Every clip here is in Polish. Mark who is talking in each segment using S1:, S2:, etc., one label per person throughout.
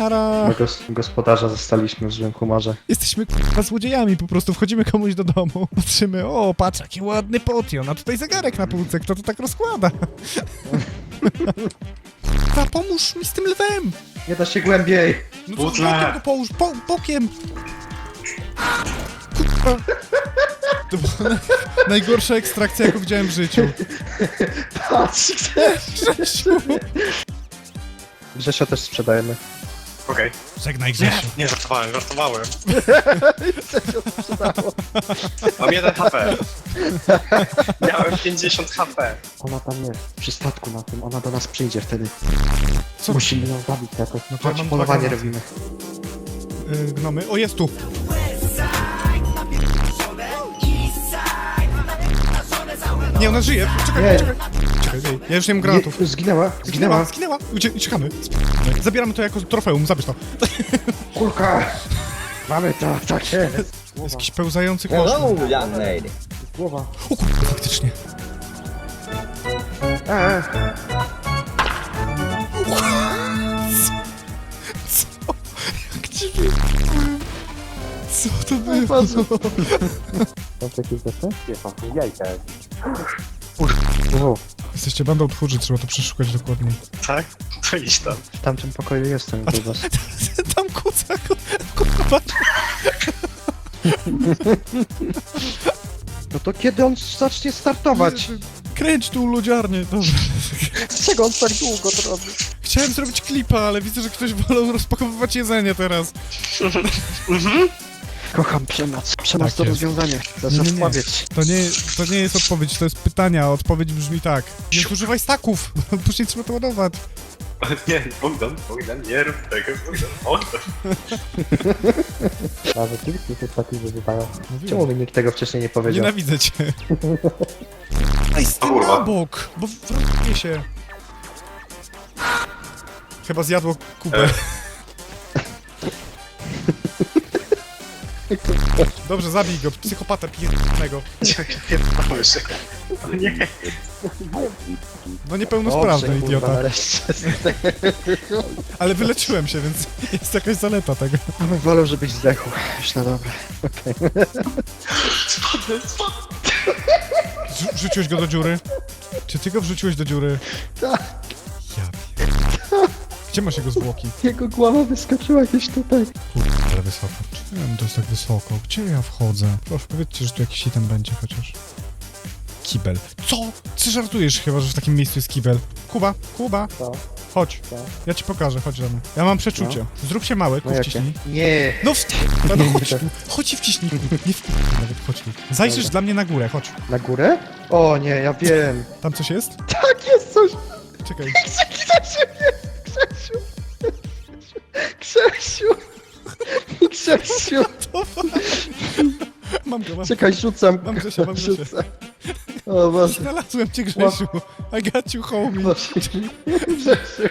S1: Nara.
S2: My gospodarza zostaliśmy w złym humorze.
S1: Jesteśmy k***a złodziejami, po prostu wchodzimy komuś do domu, patrzymy, o patrz jaki ładny potion, a tutaj zegarek na półce, kto to tak rozkłada? K***a, pomóż mi z tym lwem!
S2: Nie da się głębiej.
S1: No to bokiem go połóż, bokiem! K***a. To była najgorsza ekstrakcja, jaką widziałem w życiu.
S2: Patrz,
S1: Grzesiu!
S2: Grzesio też sprzedajemy.
S3: Okej.
S1: Żegnaj Grzesiu.
S3: Nie, żartowałem. Mam 1 HP. Miałem 50 HP.
S2: Ona tam jest, przy statku na tym, ona do nas przyjdzie wtedy.
S1: Co?
S2: Musimy ją zabić jakoś.
S1: No to ja
S2: Chodź,
S1: mam
S2: polowanie
S1: dwa
S2: robimy.
S1: Gnomy, o jest tu! Nie, ona żyje, czekaj. Czekaj, ja już nie mam granatów.
S2: Zginęła.
S1: Zginęła. Uciekamy. Zabieramy to jako trofeum, zabierz to.
S2: Kulka! Mamy to, tak jest.
S1: Jest jakiś pełzający kosz.
S4: Hello, young lady.
S2: Głowa.
S1: O kurde, faktycznie. Co? Jak dziwnie. Co to było?
S2: Mam jakieś rzeczy?
S4: Jajka.
S2: Wow.
S1: Jesteście bandą tchórzy, trzeba to przeszukać dokładniej.
S3: Tak? To idź tam.
S2: W tamtym pokoju jestem, grubas.
S1: Tam kuca, kurwa.
S2: No to kiedy on zacznie startować?
S1: Kręć tu lodziarnię, dobra.
S2: Dlaczego on tak długo to robi?
S1: Chciałem zrobić klipa, ale widzę, że ktoś wolał rozpakowywać jedzenie teraz.
S2: Kocham przemoc. Przemoc
S1: Tak
S2: to
S1: jest.
S2: rozwiązanie. To
S1: Nie,
S2: jest
S1: nie, nie.
S2: odpowiedź.
S1: To nie jest odpowiedź, to jest pytania, a odpowiedź brzmi tak. Nie używaj staków, później trzeba to ładować.
S3: Nie, Bogdan, nie rób tego, Bogdan.
S2: A rzeczywiście się taki wyzywają.
S1: Mówiłem.
S2: Czemu mi nikt tego wcześniej nie powiedział?
S1: Nienawidzę cię. Ej, z tym
S3: Kurwa.
S1: na bok, bo wrąbnie się. Chyba zjadło Kubę. Dobrze, zabij go, psychopata pierdolnego.
S3: O nie.
S1: No niepełnosprawny
S2: Dobrze, kurwa,
S1: idiota.
S2: nareszcie.
S1: Ale wyleczyłem się, więc jest jakaś zaleta tego.
S2: Wolę, żebyś zdechł. Już na dobre.
S1: Wrzuciłeś go do dziury? Czy ty go wrzuciłeś do dziury?
S2: Tak.
S1: Ja Gdzie masz jego zwłoki?
S2: Jego głowa wyskoczyła gdzieś tutaj.
S1: Kurde, ale wysoko. Czemu to jest tak wysoko? Gdzie ja wchodzę? Proszę, powiedzcie, że tu jakiś item będzie chociaż. Kibel. Co? Ty żartujesz chyba, że w takim miejscu jest kibel. Kuba.
S2: Co?
S1: Chodź.
S2: Co?
S1: Ja ci pokażę, chodź do mnie. Ja mam przeczucie. Zrób się mały,
S2: No jakie?
S1: wciśnij.
S2: Nie.
S1: No chodź tu. Chodź i wciśnij. Nie nawet, chodź tu. Zajrzysz
S2: Dobra.
S1: dla mnie na górę, chodź.
S2: Na górę? O nie, ja wiem.
S1: Tam coś jest?
S2: Tak, jest coś.
S1: Czekaj.
S2: Grzesiu.
S1: Mam go.
S2: Czekaj, rzucam.
S1: Mam Grzesia.
S2: Rzucam. O Boże.
S1: Znalazłem cię, Grzesiu. I got you, homie.
S2: Boże. Grzesiu.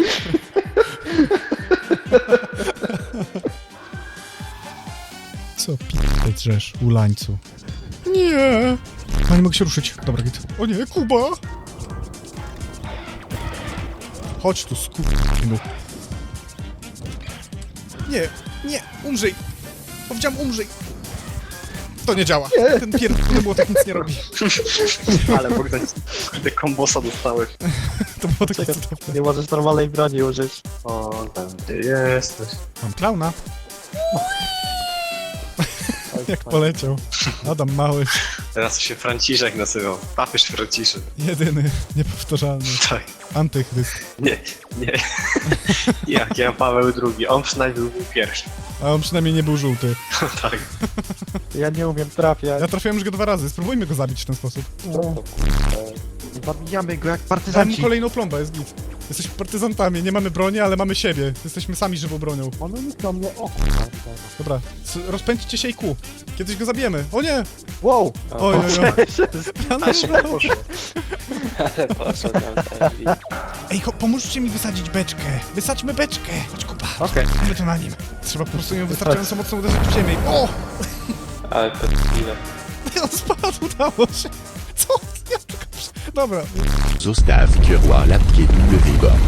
S1: Co p***e drzesz, ulańcu? Nie! No nie mogę się ruszyć. Dobra, git. O nie, Kuba! Chodź tu, skurwysynu. Nie, umrzyj! Powiedziałem umrzyj! To nie działa.
S2: Nie.
S1: Ten pierdolony młotek nic nie robi.
S3: Ale Bogdan, kurde, kombosa dostałeś.
S1: To było takie cudowne.
S2: Nie możesz normalnej broni użyć.
S3: O, tam ty jesteś.
S1: Mam klauna. Jak poleciał. Adam Mały.
S3: Teraz się Franciszek nazywał. Papież Franciszek.
S1: Jedyny, niepowtarzalny.
S3: Tak.
S1: Antychryst.
S3: Nie. Jak ja Paweł II, on przynajmniej był pierwszy.
S1: A on przynajmniej nie był żółty.
S3: Tak.
S2: Ja nie umiem trafiać.
S1: Ja trafiłem już go 2 razy. Spróbujmy go zabić w ten sposób.
S2: Zabijamy go jak
S1: Dam mu
S2: partyzanci.
S1: kolejną plombę, jest git. Jesteśmy partyzantami, nie mamy broni, ale mamy siebie. Jesteśmy sami żywą bronią.
S2: One myślą mnie o.
S1: Dobra, rozpędźcie się i ku. Kiedyś go zabijemy. O nie!
S2: Wow!
S1: Oj.
S3: A szybko poszło.
S1: Ej, pomóżcie mi wysadzić beczkę. Wysadźmy beczkę. Chodź, Kuba.
S2: Okej.
S1: Mamy to na nim. Trzeba po prostu ją wystarczająco mocno uderzyć w ziemię. O!
S4: Ale to chwilę.
S1: On spadł, udało się. Co? Ja tylko... Dobra.
S5: Zostaw Kierwa la pied de Weber.